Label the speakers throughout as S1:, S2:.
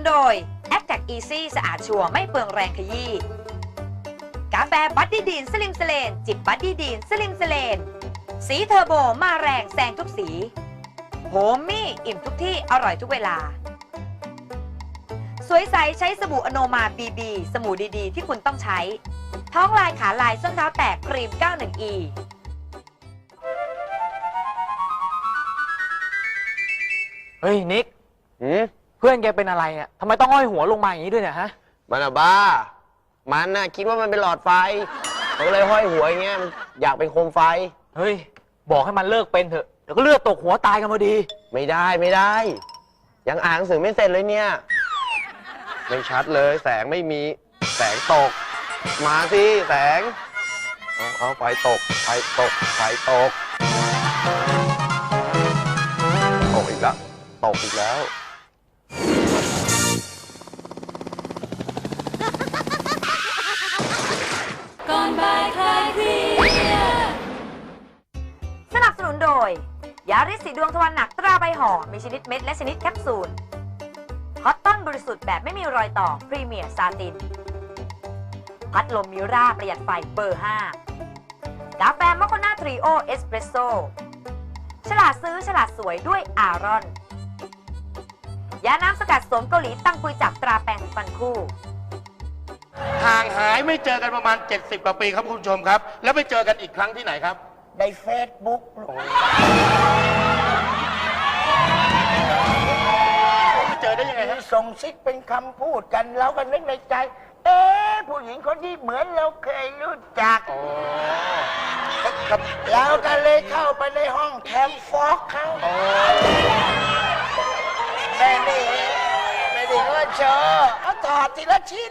S1: โดย a c t a c Easy สะอาดชัวร์ไม่เปลืองแรงขยี้กาแฟบัดดี้ดีนสลิมสเลนจิบบัดดี้ดีนสลิมสเลนสีเทอร์โบมาแรงแซงทุกสีโฮมมี่อิ่มทุกที่อร่อยทุกเวลาสวยใสใช้สบู่อโนมาบีบีสบู่ดีๆที่คุณต้องใช้ท้องลายขาลายส้นเท้าแตกครีม 91E
S2: เฮ้ยนิกเพื่อนแกเป็นอะไรอ่ะทำไมต้องห้อยหัวลงมาอย่างนี้ด้วยเนี่ยฮะ
S3: มันอะบ้ามันน่ะคิดว่ามันเป็นหลอดไฟมันก็เลยห้อยหัวอย่างเงี้ยมันอยากเป็นโคมไฟ
S2: เฮ้ยบอกให้มันเลิกเป็นเถอะเดี๋ยวก็เลือดตกหัวตายกันพอดี
S3: ไม่ได้ยังอ่านหนังสือไม่เสร็จเลยเนี่ยไม่ชัดเลยแสงไม่มีแสงตกมาสิแสงเอาไฟตกตกอีกแล้วตกอีกแล้ว
S1: ก่อนบ่ายคลายเครียดสนับสนุนโดยยาริสสีดวงทวารหนักตราใบห่อมีชนิดเม็ดและชนิดแคปซูลคอตตอนบริสุทธิ์แบบไม่มีรอยต่อพรีเมียร์ซาตินพัดลมมิราประหยัดไฟเบอร์ 5กาแฟมอคโคนาทรีโอเอสเปรสโซ่ฉลาดซื้อฉลาดสวยด้วยอารอนยาน้ำสกัดโสมเกาหลีตั้งปุยจับตราแปรงฟันคู่
S4: ห่างหายไม่เจอกันประมาณ70 กว่าปีครับคุณผู้ชมครับแล้วไปเจอกันอีกครั้งที่ไหนครับ
S3: ในเฟซบุ๊ก
S4: เจอได้ยังไงฮะ
S3: ส่งซิกเป็นคำพูดกันแล้วก็นึกในใจผู้หญิงคนนี้เหมือนเราเคยรู้จักเราก็เลยเข้าไปในห้องแคมฟอกเขาไม่ได้ว่าเชอเขาถอดทีละชิ้น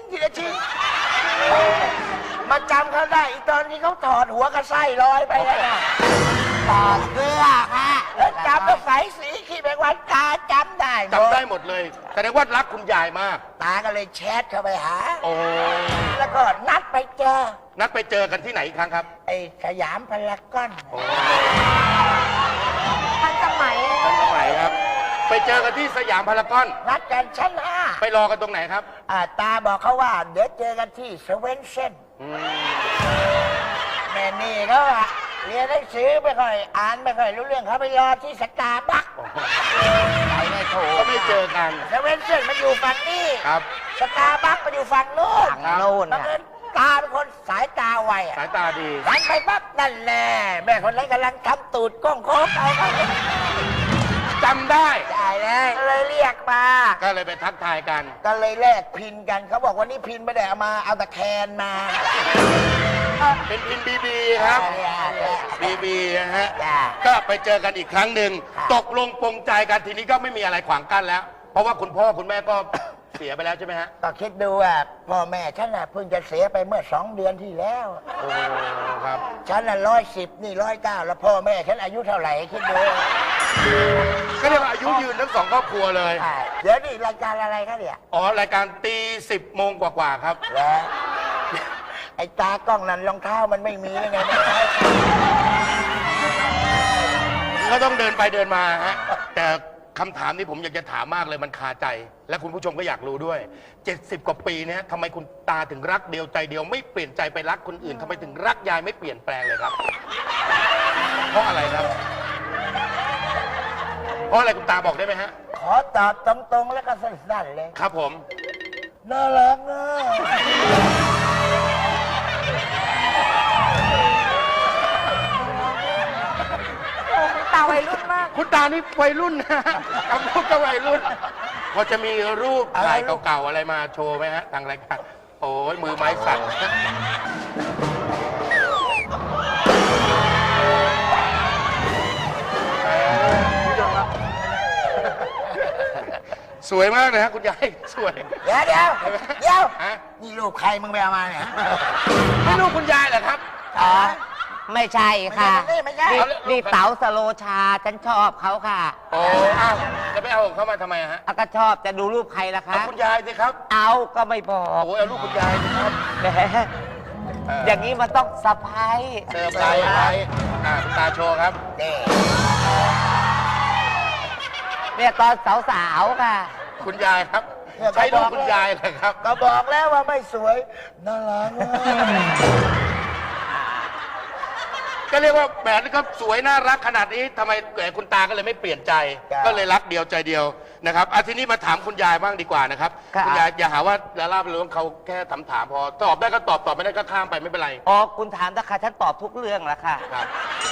S3: มาจำเขาได้อีตอนนี้เขาถอดหัวกระไส้ลอยไปแล้วถอดเสื้อค่ะแล้วจำก็ใส่สีขี้แมงวันตาจำได้
S4: หมดเลยแสดงว่ารักคุณยายมาก
S3: ตาก็เลยแชทเข้าไปหาแล้วก็นัดไปเจ
S4: อกันที่ไหนอีกครั้งครับ
S3: ไอ้สยามพารากอน
S1: ทันสมัย
S4: ครับไปเจอกันที่สยามพารากอน
S3: นัดกันชั้น 5
S4: ไปรอกันตรงไหนครับ
S3: ตาบอกเขาว่าเดี๋ยวเจอกันที่เซเว่นเซนแม่นี่เขาเรียนหนังสือไม่ค่อยอ่านไม่ค่อยรู้เรื่องเขาไปรอที่สตาร์บัคไปไม่ถูก
S4: ก็ไม่เจอกัน
S3: เซเว่นเซนมันอยู่ฝั่งนี้
S4: ครับ
S3: สตาร์บัคมันอยู่ฝั่งโน้นบังเอิญตาเป็นคนสายตาไว
S4: สายตาดี
S3: หันไปปั๊บนั่นแหละแม่คนนั้นกำลังทำตูดก้องโค้งเอา
S4: จำได้
S3: เลยก็เลยเรียกมา
S4: ก็เลยไปทักทายกัน
S3: ก็เลยแลกพินกันเขาบอกวันนี้พินไม่ได้เอามาเอาตะแคนมา
S4: เป็นพินบีครับบีนะฮะก็ไปเจอกันอีกครั้งหนึ่งตกลงปรงใจกันทีนี้ก็ไม่มีอะไรขวางกั้นแล้วเพราะว่าคุณพ่อคุณแม่ก็เสียไปแล้วใช่ไหมฮะ
S3: ก็คิดดูว่าพ่อแม่ฉันน่ะเพิ่งจะเสียไปเมื่อ2 เดือนที่แล้ว
S4: ครับ
S3: ฉันน่ะ110นี่109แล้วพ่อแม่ฉันอายุเท่าไหร่คิดดู
S4: ก็เรียกว่าอายุยืนทั้ง2 ครอบครัวเลย
S3: เดี๋ยวนี่รายการอะไรครับเนี่ย
S4: รายการตี10 โมงกว่าครับ
S3: แล้วไอ้ตากล้องนั้นรองเท้ามันไม่มียังไง
S4: ก็ต้องเดินไปเดินมาฮะแต่คำถามนี้ผมอยากจะถามมากเลยมันคาใจและคุณผู้ชมก็อยากรู้ด้วย70 กว่าปีเนี่ยทำไมคุณตาถึงรักเดียวใจเดียวไม่เปลี่ยนใจไปรักคนอื่นทำไมถึงรักยายไม่เปลี่ยนแปลงเลยครับเพราะอะไรครับเพราะอะไรคุณตาบอกได้ไหมฮะ
S3: ขอตอบตรงๆแล้วก็สั้นๆเลย
S4: ครับผม
S3: น่ารักนะ
S1: ตาวัยรุ่นมาก
S4: คุณตานี่วัยรุ่นนะกับลูกก็วัยรุ่นพอจะมีรูปถ่ายเก่าๆอะไรมาโชว์ไหมฮะทางรายการโอ้ยมือไม้สั่นสวยมากเลยฮะคุณยายสวย
S3: เดี๋ยวนี่รูปใครมึงไปเอามาเนี่ย
S4: ไม่รูปคุณยายเหรอครับ
S5: ไม่ใช่ค่ะนี่เต๋าสโลชาฉันชอบเขาค่ะ
S4: โอ้จะไปเอาของเขามาทำไมฮะ
S5: ก็ชอบจะดูรูปใครล่ะคะ
S4: คุณยายสิครับ
S5: เอาก็ไม่บอก
S4: โอ้เอารูปคุณยายสิครับ
S5: แหมอย่างนี้มันต้องเซอร์ไพรส์
S4: คุณตาโชว์ครับ
S5: เนี่ยตอนสาวๆค่ะ
S4: คุณยายครับใช่ลูกคุณยายเหรอครับ
S6: ก็บอกแล้วว่าไม่สวยน่ารักมาก
S4: ก็เรียกว่าแหมก็สวยน่ารักขนาดนี้ทำไมคุณตาก็เลยไม่เปลี่ยนใจ ก็เลยรักเดียวใจเดียวนะครับทีนี้มาถามคุณยายบ้างดีกว่านะครับ
S5: ค่ะ
S4: คุณยายอย่าหาว่าดาราเป็นเรื่องเขาแค่ถามพอตอบได้ก็ตอบไม่ได้ก็ข้ามไปไม่เป็นไร
S5: อ๋อคุณถามนะค่ะฉันตอบทุกเรื่องแล้วค่ะ
S4: ครับ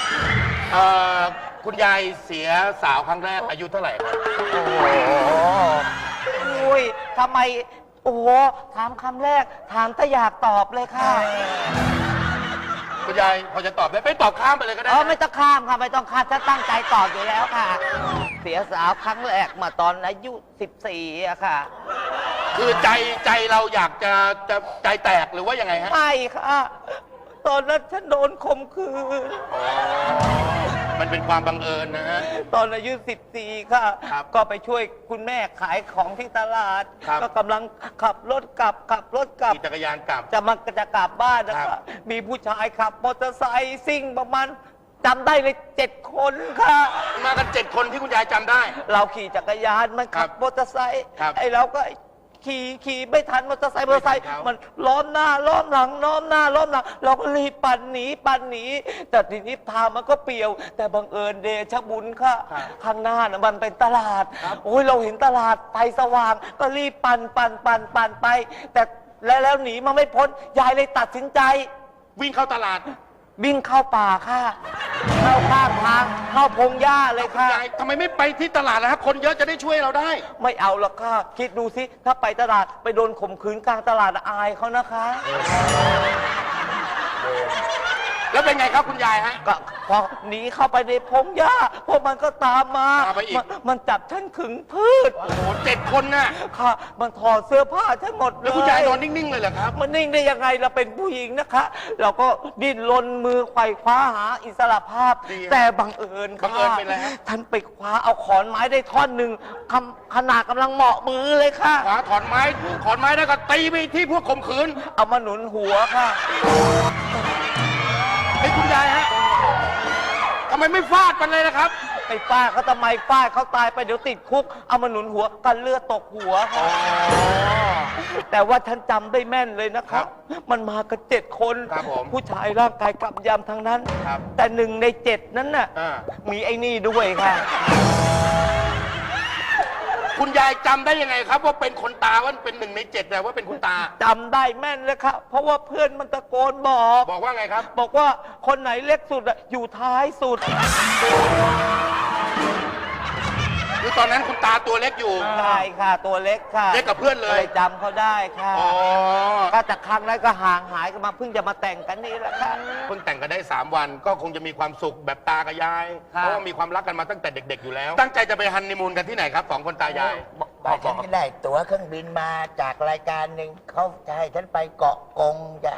S4: คุณยายเสียสาวครั้งแรกอายุเท่าไหร่ครับ
S5: โอ้โหอุ้ยทำไม โอ้โห ถามคำแรก ถามแต่อยากตอบเลยค่ะ
S4: คุณยายพอจะตอบได้ไม่ตอบข้ามไปเลยก็ได้
S5: อ๋อ
S4: นะ
S5: ไม่ต้องข้ามค่ะ ไม่ต้องข้ามฉันตั้งใจตอบอยู่แล้วค่ะ เสียสาวครั้งแรกมาตอนอายุ 14อะค่ะ
S4: คือใจเราอยากจะใจแตกหรือว่ายังไงฮะ
S5: ไม่ค่ะ ตอนนั้นฉันโดนข่มขืน
S4: มันเป็นความบังเอิญนะฮะ
S5: ตอนอายุ 14 ค่ะ
S4: ครับ
S5: ก็ไปช่วยคุณแม่ขายของที่ตลาด
S4: ครับ
S5: ก็กำลังขับรถกลับ
S4: ขี่จักรยานกลับ
S5: จะกลับบ้านนะ
S4: ครั
S5: คะ
S4: บ
S5: มีผู้ชายขับมอเตอร์ไซค์ซิ่งประมาณจำได้เลย7 คนค่ะ
S4: มากัน7 คนที่คุณยายจำได้
S5: เราขี่จักรยานมันขับ
S4: ครับ
S5: มอเตอร์ไซค์
S4: ครับ
S5: ไอ้เราก็ขี่ไม่ทันมอเตอร์ไซค์
S4: ไม่ทันเขามั
S5: มันล้อมหน้าล้อมหลังล้อมหน้าล้อมหลังเราก็รีบปั่นหนีแต่ทีนี้ทางมันก็เปลี่ยว แต่บังเอิญเดชะบุญค่ะ ข้างหน้านะมันเป็นตลาด โอ้ยเราเห็นตลาดไฟสว่าง ก็รีบปั่นไป แต่แล้วหนีมาไม่พ้นยายเลยตัดสินใจ
S4: วิ่งเข้าตลาด
S5: วิ่งเข้าป่าค่ะ เข้าข้างทางเข้าพงหญ้าเลย
S4: คุณ
S5: ค่ะ
S4: ยายทำไมไม่ไปที่ตลาดล่ะครับคนเยอะจะได้ช่วยเราได้
S5: ไม่เอาหรอกค่ะ คิดดูสิ ถ้าไปตลาดไปโดนข่มขืนกลางตลาดอายเขานะคะ
S4: แล้วเป็นไงครับคุณยายฮะ
S5: ก็พอหนีเข้าไปในพงหญ้าพวกมันก็ตามมา
S4: ตามไปอีก
S5: มันจับฉันขึงพืช
S4: โอ้โห7 คนน่ะ
S5: ค่ะ มันถอดเสื้อผ้าฉันหมดเลย
S4: แล้วคุณยายนอนนิ่งๆเลยเหรอครับ
S5: มันนิ่งได้ยังไงเราเป็นผู้หญิงนะคะ เราก็ดิ้นรนมือไขว่คว้าหาอิสรภาพ
S4: ดีอะ
S5: แต่บังเอิญค่ะ
S4: บังเอิญเป็นอะไรฮะ
S5: ท่านไปคว้าเอาขอนไม้ได้ท่อนหนึ่งขนาดกำลังเหมาะมือเลยค่ะ
S4: ขวาถอนไม้แล้วก็ตีไปที่พวกข่มขืน
S5: เอามาหนุนหัวค่ะ
S4: ไอ้ยคุณยายฮะทำไมไม่ฟาดมันเลยนะครับ
S5: ไปฟาดเขาทำไมฟาดเขาตายไปเดี๋ยวติดคุก เอามาหนุนหัวกันเลือดตกหัวค่ะแต่ว่าฉันจำได้แม่นเลยนะค
S4: ครั
S5: รับ บ มันมากัน7 คน
S4: ครับผม
S5: ผู้ชายร่างกายกำยำทั้งนั้น
S4: ครับ
S5: แต่1 ใน 7 นั้นน่ะ
S4: อ่า
S5: มีไอ้นี่ด้วยค่ะ
S4: คุณยายจำได้ยังไงครับ ว่าเป็นคนตาว่าเป็น1 ใน 7แต่ว่าเป็นคุณตา
S5: จำได้แม่นเลยครับ เพราะว่าเพื่อนมันตะโกนบอก
S4: บอกว่าไงครับ
S5: บอกว่าคนไหนเล็กสุดอะอยู่ท้ายสุด
S4: คือตอนนั้นคุณตาตัวเล็กอยู่
S5: ใช่ค่ะ ตัวเล็กค่ะ
S4: เล็กกับเพื่อนเลย
S5: จำเขาได้ค่ะ
S4: อ๋อ
S5: ก็จากครั้งนั้นก็ห่างหายกันมาเพิ่งจะมาแต่งกันนี่แหละค่ะ
S4: เพิ่งแต่งกันได้3 วันก็คงจะมีความสุขแบบตากับยาย
S5: ครับ
S4: เพราะว่ามีความรักกันมาตั้งแต่เด็ก ๆอยู่แล้ว ตั้งใจจะไปฮันนีมูนกันที่ไหนครับ2 คนตายาย
S6: บอกฉันก็ได้ตั๋วเครื่องบินมาจากรายการหนึ่งเขาจะให้ฉันไปเกาะกงจ้ะ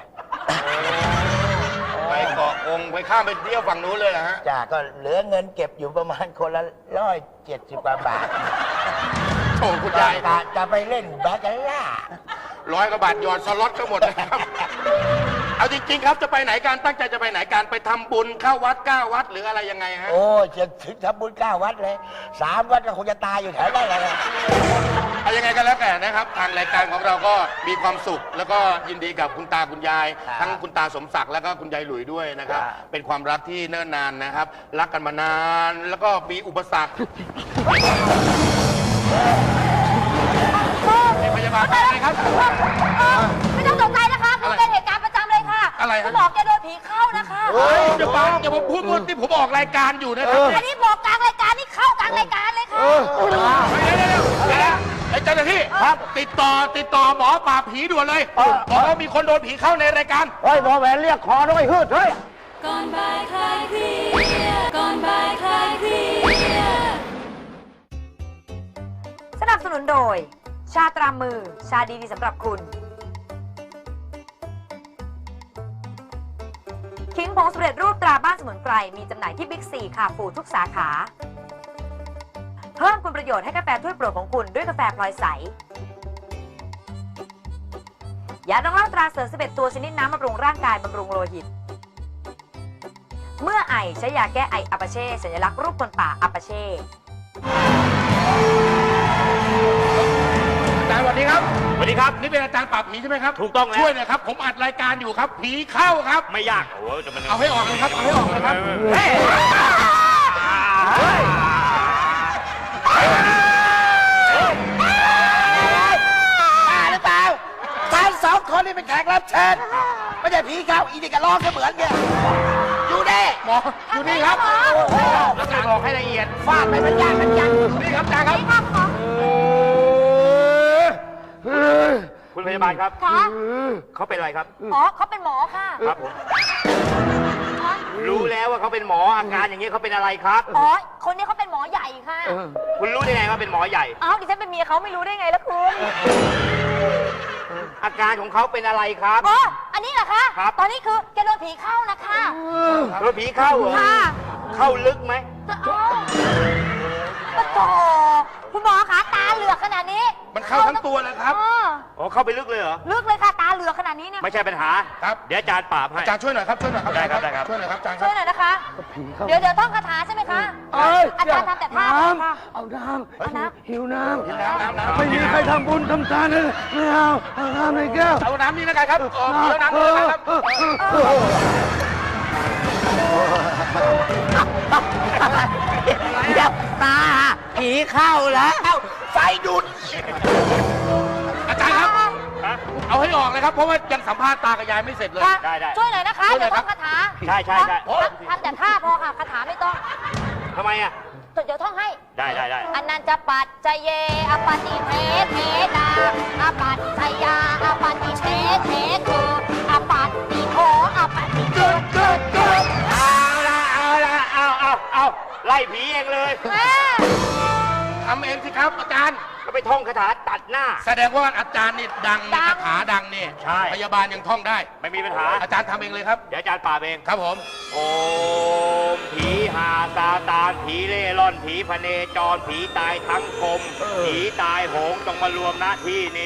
S4: ไปเกาะองค์ไปข้ามไปเที่ยวฝั่งนู้นเลยนะฮะ
S6: จ้ะก็เหลือเงินเก็บอยู่ประมาณคนละ170 กว่าบาท
S4: โอ้คุณยาย
S6: จะไปเล่นแบาคาร่า
S4: 100 กว่าบาทหยอดสล็อตก็หมดนะครับ เอาจริงๆครับจะไปไหนการตั้งใจจะไปไหนการไปทำบุญเข้าวัด9 วัดหรืออะไรยังไงฮะ
S6: โอ้จะถึงทำบุญ9 วัดเลย3 วัดก็คงจะตายอยู่แถวนั้นแหละ
S4: เอายังไงกันแล้วแต่นะครับ ทางรายการของเราก็มีความสุข แล้วก็ยินดีกับคุณตาคุณยาย
S5: ครับ
S4: ทั้งคุณตาสมศักดิ์แล้วก็คุณยายหลุยด้วยนะครับ
S5: ครับ
S4: เป็นความรักที่เนิ่นนานนะครับ รักกันมานาน แล้วก็มีอุปสรรคเป็นพยาบาลอะไรครับ
S1: ไม่ต้องตกใจนะคะคุณเป็นเหตุการณ์ประจำเลยค่ะ
S4: อะไรฮะ
S1: คุณหมอแกโดนผีเข้านะคะ
S4: เฮ้ยอย่าบังอย่ามาพูดที่ผมออกรายการอยู่นะครับ
S1: อันนี้บอกกลางรายการนี่เข้ากลางรายการเลยค่ะ
S4: เดี๋ยวไอ้เจ้าหน้าที่ครับติดต่อหมอปราบผีด่วนเลยบอกว่ามีคนโดนผีเข้าในรายการ
S6: เฮ้ยหมอแหวนเรียกขอด้วยฮืดเฮ้ย
S1: ก่อนบ่ายคลายเครียดก่อนบ่ายคลายเครียดสนับสนุนโดย ชาตรามือ ชาดีๆสำหรับคุณ คิงผงสำเร็จรูปตราบ้านสมุนไพร มีจำหน่ายที่บิ๊กซีค่ะฟูทุกสาขา เพิ่มคุณประโยชน์ให้กาแฟถ้วยโปรดของคุณด้วยกาแฟพลอยใส ยาดองเหล้าตราเสริม11 ตัวชนิดน้ำบำรุงร่างกายบำรุงโลหิต เมื่อไอใช้ยาแก้ไออัปาเช่สัญลักษณ์รูปคนป่าอัปาเช่
S4: อาจารย์สวัสดีครับครับ
S7: สวัสดีครับ
S4: นี่เป็นอาจารย์ปราบผีใช่ไหมครับ
S7: ถูกต้องแล้ว
S4: ช่วยหน่อยครับ ผมอัดรายการอยู่ครับ ผีเข้าครับ
S7: ไม่ยากโอ้โหจะมัน
S4: เอาให้ออกเลยครับ เอาให้ออกเลยครับ
S6: บ้าหรือเปล่าฉันสองคนนี่เป็นแขกรับเชิญไม่ใช่ผีเข้าอีนี่ก็ร้องเสมือนเนี่ยอยู่เด้
S4: หมออยู่นี่ครับ
S7: อาจารย์บอกให้ละเอียด
S6: ฟาดไปมันยากมันยัง
S4: นี่ครับอาจารย์ครับ
S7: คุณพยาบาลครับ
S1: ค่ะ
S7: เขาเป็นอะไรครับ
S1: อ๋อเขาเป็นหมอค่ะ
S7: ครับผม รู้แล้วว่าเขาเป็นหมออาการอย่างนี้เขาเป็นอะไรครับ
S1: อ๋อ คนนี้เขาเป็นหมอใหญ่ค่ะ
S7: คุณรู้ได้ไงว่าเป็นหมอใหญ่
S1: เอ้าดิฉันเป็นเมียเขาไม่รู้ได้ไงล่ะคุณ
S7: อาการของเขาเป็นอะไรครับ
S1: อ๋อ อันนี้เหรอคะ
S7: ครับ
S1: ตอนนี้คือแกโดนผีเข้านะคะ
S7: โดนผีเข้าเหรอ
S1: ค่ะ
S7: เข้าลึกไหม
S1: อ๋อปะโถคุณหมอคะตาเหลือกขนาดนี้
S4: มันเข้าทั้งตัวเลยครับ
S1: อ๋อ
S7: อ๋อเข้าไปลึกเลยเหรอ
S1: ลึกเลยค่ะ ตาเหลือกขนาดนี้เนี่ย
S7: ไม่ใช่ปัญหา
S4: ครับ
S7: เดี๋ยวอาจารย์ปราบให้
S4: อาจารย์ช่วยหน่อยครับ ช่วยหน่อยครับ
S7: ได้ครับได้ครับ
S4: ช่วยหน่อยครับอาจารย์ค
S1: ช่
S4: รั
S1: วย
S4: บ
S1: หน่อยนะคะ เดี๋ยวท่องคาถาใช่ไหมคะ อาจารย์ทำแต่ท่าค่ะ
S5: เอาน้
S1: เอาน้
S5: ำหิวน้
S4: น้ำ
S5: ำไม่มีใครทำบุญทำทานเลยไม่เอาน้ำในแก้ว
S4: เอาน้ำนี่แล้วกันครับเอาน้ำนี่แล้วกันครับ
S6: ยับตาผีเข้าแล้วไฟดูด
S4: อาจารย์ครับ
S7: ฮะ
S4: เอาให้ออกเลยครับ เพราะว่ายังสัมภาษณ์ตากับยายไม่เสร็จเลย
S1: ค่ะ
S7: ได้ได้
S1: ช่วยหน่อยนะคะ
S4: ช่วยหน่
S1: เดี๋
S4: อย ยว
S1: ท่องคาถา
S7: ใช่ใช่ใช่
S1: ทำแต่ท่าพอค่ะ คาถาไม่ต้อง
S7: ทำไมอ่ะ
S1: เดี๋ยวท่องให้
S7: ได้ได้ได้
S1: อนันจะปัจจเยอปฏิเทเทนาอปัจจยาอปฏิเทเทโกอปัตติโทอปัตติเกิดเกิดเกิด
S7: เอาไล่ผีเองเลย
S4: ทำเองสิครับอาจารย์
S7: ก็ไปท่องคาถาตัดหน้า
S4: แสดงว่าอาจารย์นี่ดังนี่คาถาดังนี่
S7: ใช่
S4: พยาบาลยังท่องได้
S7: ไม่มีปัญหา
S4: อาจารย์ทำเองเลยครับ
S7: เดี๋ยวอาจารย์ปราบเอง
S4: ครับผม
S7: โอมผีหาซาตานผีเล่ร่อนผีพเนจรผีตายทั้งกลมผีตายโหงต้องมารวมณที่นี้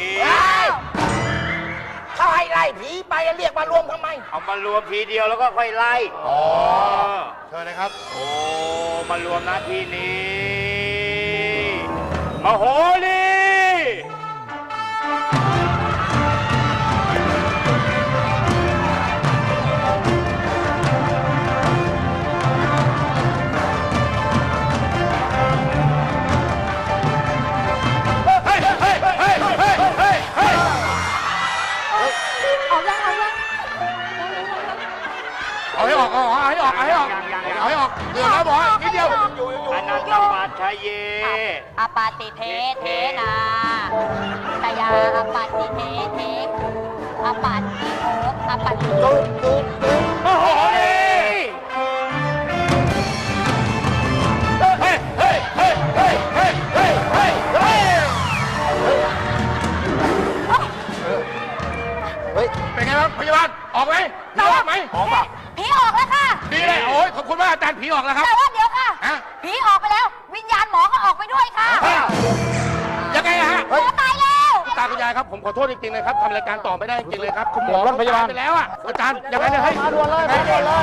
S6: เขาให้ไล่ผีไปเรียกมารวมทำไม
S7: เอามารวมทีเดียวแล้วก็ค่อยไล่
S4: อ๋อเชิญเลยครับ
S7: โอ้มารวมณที่นี้มโหรี
S4: เฮ้ย เฮ้ย เฮ้ย เฮ้ย เฮ้ย เฮ้ย
S1: เอายังเอายัง
S4: เอาให้ออก เอาให้ออก เอาให้ออก เอาให้ออกเดือดแล้วบอกนิดเดียว
S7: อนันตปัจชยเย
S1: อปาติเทเทนาตยาอปาติเทเทอปาติโทอปาติโก
S7: มโหรี
S4: เฮ้ย เฮ้ย เฮ้ย เฮ้ย เฮ้ย เฮ้ย เฮ้ย เฮ้ย
S3: เฮ้ย
S4: เป็นไงบ้างพยาบาล ออกไหมผีออกไหม
S7: ออกป่ะ
S1: ผีออกแล้วค่ะ
S4: ดีเลย โอ้ยขอบคุณมากอาจารย์ผีออกแล้วครับ
S1: แต่ว่าเดี๋ยวค่ะ
S4: ฮะ
S1: ผีออกไปแล้ว วิญญาณหมอก็ออกไปด้วยค่ะ
S4: ยังไงอะฮะ
S1: หมอตายแล้ว
S4: ตาคุณยายครับ ผมขอโทษจริงๆเลยครับทำรายการต่อไม่ได้จริงๆเลยครับ คุณหมอ
S2: รถพยาบาล
S4: ตไปแล้วอะอาจารย์ยังไงเนี่ยเฮ้ย
S2: มาด่วนเลยมาด่วนเลย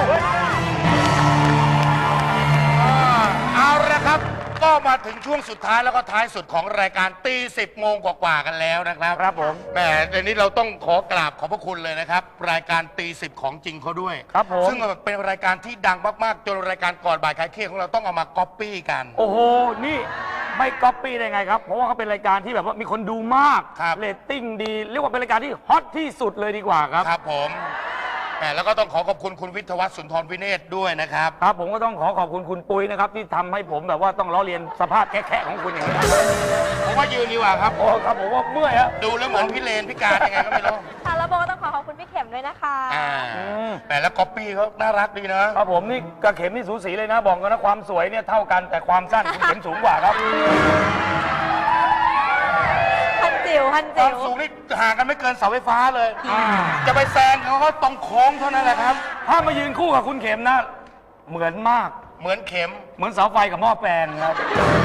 S4: เอาละครับ ก็มาถึงช่วงสุดท้ายแล้วก็ท้ายสุดของรายการตี10 โมงกว่าๆกันแล้วนะครับ
S2: ครับผม
S4: แหมในนี้เราต้องขอกราบขอบพระคุณเลยนะครับ รายการตี10ของจริงเขาด้วย
S2: ครับผม
S4: ซึ่งเป็นรายการที่ดังมากๆจนรายการก่อนบ่ายคลายเครียดของเราต้องเอามาก๊อปปี้กัน
S5: โอ้โห นี่ไม่ก๊อปปี้ได้ไงครับ เพราะว่าเขาเป็นรายการที่แบบว่ามีคนดูมาก
S4: ครับ
S5: เรตติ้งดี เรียกว่าเป็นรายการที่ฮอตที่สุดเลยดีกว่าครับ
S4: ครับผมแหมแล้วก็ต้องขอขอบคุณคุณวิทยวัฒน์สุนทรวิเนศด้วยนะครับ
S5: ครับผมก็ต้องขอบคุณคุณปุ้ยนะครับ ที่ทำให้ผมแบบว่าต้องล้อเลียนสภาพแค่ของคุณอย่างนี้
S4: ผมว่ายืนดีกว่าครับ
S5: โอ้ครับผมว่าเมื่อยอะ
S4: ดูแล้วเหมือนพี่เลนพิการยังไงก็ไม่รู้
S1: ค่ะแล้วโบก็ต้องขอบคุณพี่เข็มด้วยนะคะ
S4: แหมแล้วก๊อปปี้เขาน่ารักดีนะ
S5: ครับผมนี่กระเข็มนี่สูสีเลยนะ บอกกันนะความสวยเนี่ยเท่ากันแต่ความสั้นคุณเข็มสูงกว่าครับ
S1: พันจิ๋วพัน
S4: ควา
S1: จิ๋
S4: ม
S1: ว
S4: สูงนี่ห่างกันไม่เกินเสาไฟฟ้าเลย จะไปแซงเขาก็ตรงโค้งเท่านั้นแหละครับ
S5: ถ้ามายืนคู่กับคุณเข็มนะ เหมือนมาก
S4: เหมือนเข็ม
S5: เหมือนเสาไฟกับหม้อแปลงครับ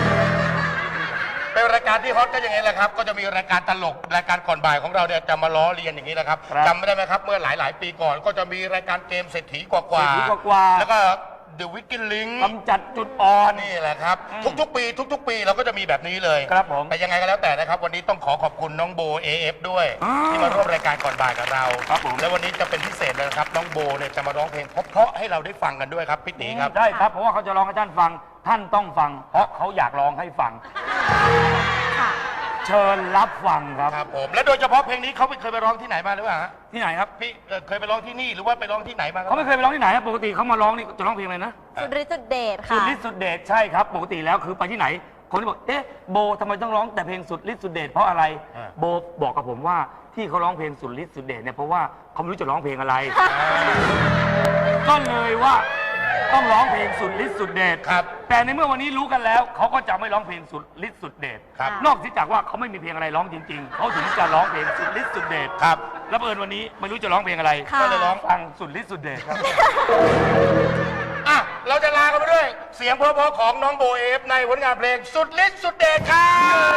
S4: เป็นรายการที่ฮอตก็อย่างนี้แหละครับ ก็จะมีรายการตลกรายการก่อนบ่ายของเราเนี่ยจะมาล้อเลียนอย่างนี้แหละครับ
S5: ครับ
S4: จำไม่ได้ไหมครับ เมื่อหลายปีก่อนก็จะมีรายการเกมเศรษฐีกว่า
S5: เศรษฐีกว่าๆ
S4: แล้วก็ The Wicked Link
S7: กำจัดจุดอ่อน
S4: นี่แหละครับ ทุกๆ ปีเราก็จะมีแบบนี้เลย
S7: ครับผม
S4: แต่ยังไงก็แล้วแต่นะครับ วันนี้ต้องขอบคุณน้องโบ AF ด้วย ที่มาร่วมรายการก่อนบ่ายกับเรา
S7: ครับผม
S4: และวันนี้จะเป็นพิเศษเลยนะครับน้องโบเนี่ยจะมาร้องเพลงเพราะๆให้เราได้ฟังกันด้วยครับพี่ตีครับ
S7: ได้ครับเพราะว่าเขาจะร้องให้ท่านฟัง ท่านต้องฟัง เพราะเขาอยากร้องให้ฟัง เชิญรับฟังครับ
S4: ครับผมและโดยเฉพาะเพลงนี้เขาเคยไปร้องที่ไหนมาหรือเปล่าฮะ
S7: ที่ไหนครับ
S4: พี่เคยไปร้องที่นี่หรือว่าไปร้องที่ไหนมาครับ
S7: เขาไม่เคยไปร้องที่ไหนครับปกติเขามาร้องนี่จะร้องเพลงอะไรนะ
S1: สุดฤทธิ์สุดเดช
S7: สุ
S1: ค่ะ
S7: ดฤทธิ์สุดเดชใช่ครับ ปกติแล้วคือไปที่ไหน คนที่บอกเอ๊ะโบทำไมต้องร้องแต่เพลงสุดฤทธิ์สุดเดชเพราะอะไร โบบอกกับผมว่าที่เขาร้องเพลงสุดฤทธิ์สุดเดชเนี่ยเพราะว่าเขาไม่รู้จะร้องเพลงอะไร ก็เลยว่าต้องร้องเพลงสุดฤทธิ์สุดเดช
S4: ครับ
S7: แต่ในเมื่อวันนี้รู้กันแล้วเขาก็จะไม่ร้องเพลงสุดฤทธิ์สุดเดช
S4: ครับ
S7: นอกจากว่าเขาไม่มีเพลงอะไรร้องจริง ๆเขาถึงจะร้องเพลงสุดฤทธิ์สุดเดช
S4: ครับ
S7: แล้วเอิญวันนี้ไม่รู้จะร้องเพลงอะไร
S1: ค่ะ
S7: ก็เลยร้องฟังสุดฤทธิ์สุดเดชครับ
S4: อ่ะเราจะลากันไปด้วย เสียงเพราะๆของน้องโบ AF ในผลงานเพลงสุดฤทธิ์สุดเดชครับ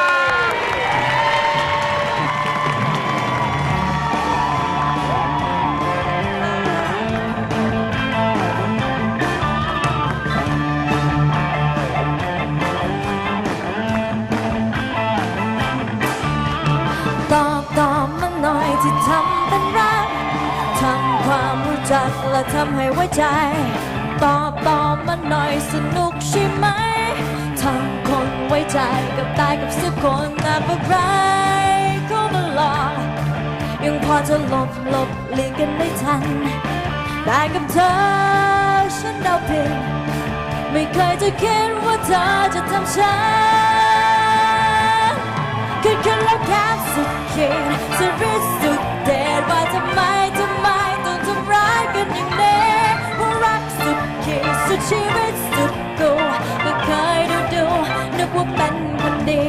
S8: ตอบมาหน่อยที่ทำเป็นรักทำความรู้จักและทำให้ไว้ใจ ตอบมาหน่อยสนุกใช่ไหมทำคนไว้ใจกับตายกับสักคนนับอะไรก็มาหลอกยังพอจะหลบเลี่ยงกันได้ทันแต่กับเธอฉันเดาผิดไม่เคยจะคิดว่าเธอจะทำฉันขึ้นแล้วแค่สุดขีดสุดฤทธิ์สุดเดชว่าทำไมต้องทำร้ายกันอย่างนี้ว่ารักสุดขีดสุดชีวิตสุดกูก็เคยดูนึกว่าเป็นคนดี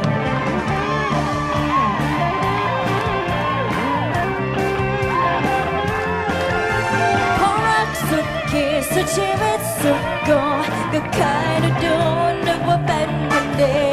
S8: เพราะรักสุดขีดสุดชีวิตสุดกูก็เคยดูนึกว่าเป็นคนดี